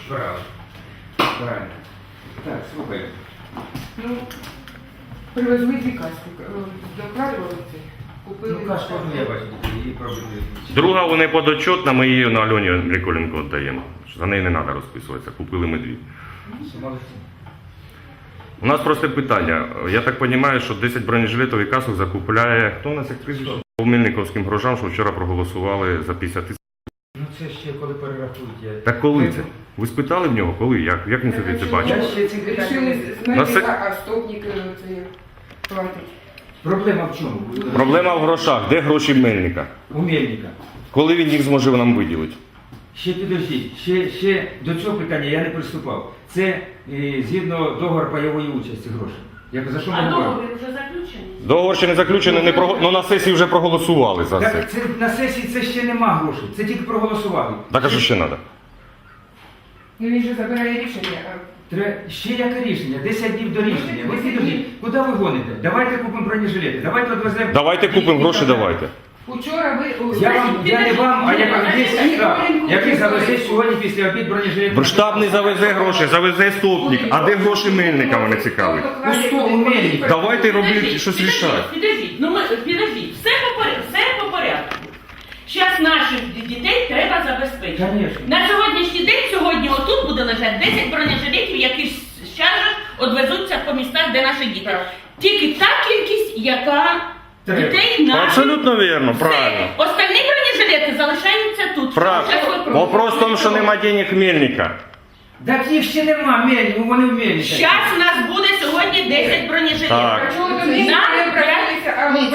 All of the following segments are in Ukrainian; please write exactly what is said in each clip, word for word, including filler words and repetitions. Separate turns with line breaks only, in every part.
Правильно. Правильно. Так, слухай.
Ну, привезли дві каски, докладували це, купили.
Ну, кашку я бачу, її пробують.
Друга вони подотчетна, ми її на Альоні Миколенко віддаємо. За неї не треба розписуватися, купили ми дві.
Молодці.
У нас просто питання. Я так розумію, що десять бронежилетів і касок закупляє, хто у нас як прізвище? По Мельниковським грошам, що вчора проголосували за п'ятдесят тисяч.
Ну це ще коли перерахують. Я...
Так коли це? Ви спитали в нього, коли? Як, як він собі це
Я
бачив?
ще ці питання...
Рішили з
На се-
мене, а стопник це платить.
Проблема в чому?
Проблема в грошах. Де гроші Мельника?
У Мельника.
Коли він їх зможе нам виділити?
Ще підождіть, ще, ще до цього питання я не приступав. Це е, згідно договору пайової участі грошей. Як, за що ми
А
говоримо?
договір вже заключений?
Договор ще не заключений, не про... ну на сесії вже проголосували за це.
Так це на сесії це ще нема грошей, це тільки проголосували.
Так а що ще треба?
Ну він же забирає рішення, а
Треба ще яке рішення? десять днів до рішення. Ви підождіть, куди ви гоните? Давайте купимо бронежилети, давайте відвеземо.
Давайте купимо гроші, давайте.
вчора ви...
Я вам, я не вам, а я кажу, є штаб, який завезе сьогодні після обід бронежилети.
Штаб не завезе гроші, завезе стопник. А де гроші Мельника мене цікавить?
У столу Мельника.
Давайте робити
Підождіть,
щось
підождіть,
рішати.
Підождіть, ну ми, підождіть, все по, порядку, все по порядку. Зараз наших дітей треба забезпечити.
Конечно.
На сьогоднішній день, сьогодні отут буде лежати десять бронежилетів, які з чаржах відвезуться по містах, де наші діти. Тільки та кількість, яка
Треба.
дітей наших.
Абсолютно вірно,
Все.
правильно.
Остальні бронежилети залишаються тут.
Правильно.
Щас ви-
Вопрос в тому, що нема денег Мельника.
Так їх ще нема, Мельник, вони в Мельника.
Щас у нас буде сьогодні десять бронежилетів.
Так.
А чого до них не обратилися, а ви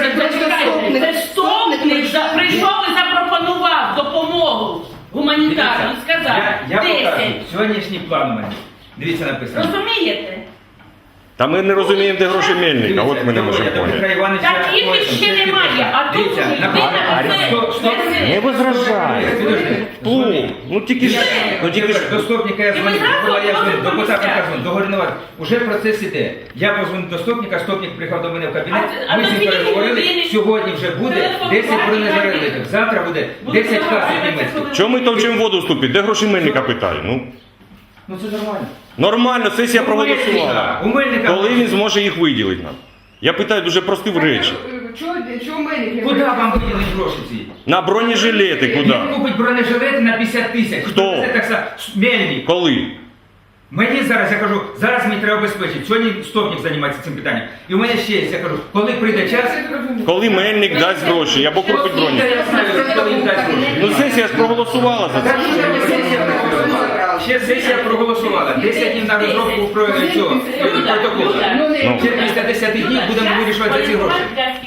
Це стопник за- прийшов і запропонував допомогу гуманітарну і сказав
Я, я покажу.
десять.
Сьогоднішній план у мене. Дивіться написано.
Розумієте?
Та ми не розуміємо, де гроші Мельника, от ми не можемо поняти.
Так їх ще немає, а тут
Дивіться,
людина
написано.
це-
Стоп, стоп.
це-
Не возражай. Плу, ну тільки ж, ну тільки ж.
До стопника я
І ми
дзвонив,
зразу
була я дзвонив,
одразу
депутата
помістяємо.
кажу, договорювати. Уже процес іде. Я позвонив до стопника, стопник приїхав до мене в кабінет,
А- а
ми з ним
тоді
переговорили,
людини
сьогодні вже буде
телефонувати
десять бронежилетів,
і
завтра буде
Буде
десять касок
розмовляти,
німецьких.
коли-
Чому ми товчимо воду вступити? Де гроші Мельника питаю? Ну,
Ну це нормально.
нормально, сесія
У
проголосувала.
Мельника, у Мельника.
Коли він зможе їх виділити нам? Я питаю дуже прості речі.
Чого, чого мене?
Куди вам виділить гроші ці?
На бронежилети куди?
Він купить бронежилети на п'ятдесят тисяч.
Хто?
Це так само. Мельник.
Коли?
Мені зараз, я кажу, зараз мені треба обезпечити. Сьогодні стопник займається цим питанням. І у мене ще є, я кажу, коли прийде час...
Коли Мельник дасть гроші, або купить броню.
Я знаю, коли їм дасть гроші.
Ну сесія ж проголосувала за
Так,
це.
ще сесія проголосувала. Ще сесія проголосувала. десять днів на розробку про цього е, протоколу.
Ну.
Ще після десяти днів будемо вирішувати ці гроші.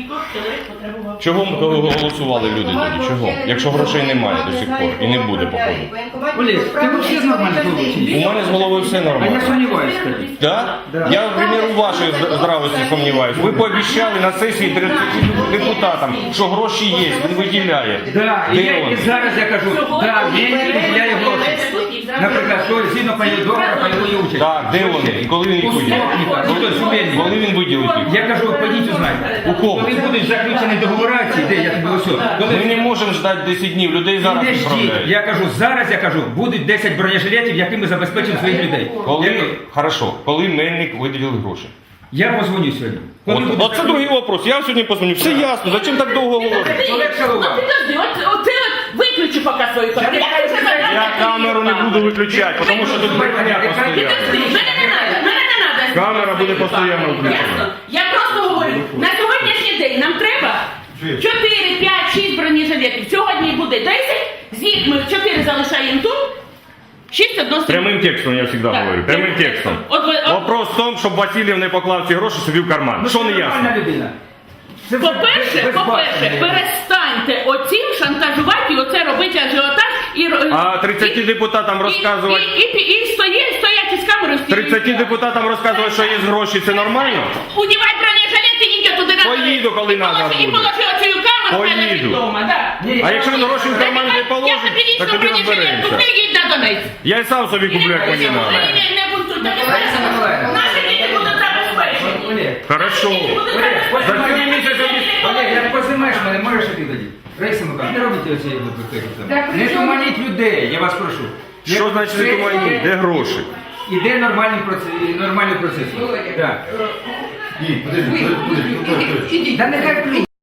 Чого ми голосували люди тоді? Чого? Якщо грошей немає до сих пор і не буде, походу.
Олег, ти взагалі нормально
У мене з головою все
А я
нормально.
сумніваюся.
Да? Я, в примеру, вашої з- здравості сумніваюся. Ви пообіцяли на сесії тридцять депутатам, що гроші є, він виділяє.
Да, і,
Де
я, і
вони?
зараз я кажу, да, він виділяє гроші. Наприклад, що згідно пані договора пайової участі.
Так, де вони? І коли він їх
У
виділить?
стопника, ну то Сумельника.
Коли він виділить їх?
Я кажу, подіть узнайте.
У кого?
Коли будуть заключені договори, ці, де я тобі ось. Коли
Ми не можемо ждати десять днів, людей зараз
не ждіть.
відправляють.
Я кажу, зараз я кажу, будуть десять бронежилетів, якими забезпечимо своїх людей. Я,
Коли, хорошо, коли Мельник виділив гроші?
я позвоню сьогодні. Коли
От,
буде
от це другий вопрос. Я сьогодні позвоню. Все ясно. Зачем так довго говорити?
Ну підожди, от, от ти от виключи поки свою камеру. Я вже задала
Я камеру не буду виключати, тому що тут брехня постійно.
Підожди, мене не треба, мене не треба.
Камера буде постійно включена.
Ясно? Я просто говорю, на сьогоднішній день нам треба чотири, п'ять, шість бронежилетів. Сьогодні буде десять, з них ми чотири залишаємо тут, шість однострій.
Прямим текстом я завжди
Так.
говорю. Прямим текстом.
От ви- от-
Вопрос в тому, щоб Васильєв не поклав ці гроші собі в карман.
Ну,
Що
це
не
нормальна
ясно?
людина. Це вже
По-перше,
без
по-перше,
бачення.
перестаньте оцим шантажувати і оце робити ажіотаж і ро-
А тридцяти
і-
депутатам
і-
розказувати,
І, і, і, і стоять, стоять із камерою.
тридцяти депутатам розказувати, що є гроші, це нормально?
Удівай бронежилет і їдь туди на
Поїду, коли
І
надо
положи- І
буде.
положи оцю камеру в мене
Поїду.
вдома, да.
Ні,
А якщо він гроші в карман не
Я
положить,
тобі
так
лічно
тоді
бронежилет
розберемося.
куплю, їдь на Донець.
Я і сам собі куплю, як мені треба.
Не, не, не бунтуйте, не
Лариса Миколаївна.
Наші діти будуть забезпечені.
Олег,
Хорошо.
Олег,
За цілий місяць
Олег, як познімаєш мене, можеш іти тоді? Раїса Миколаївна, не робіть оці
Так,
Не
при чому?
туманіть людей, я вас прошу.
Що значить світомайні? Де гроші?
Іде нормальний процес, нормальний процес.
Володя,
Так.
е,
Ні, подожди, подожди, подожди, подожди.
ідіть, ідіть.
Та нехай плюс.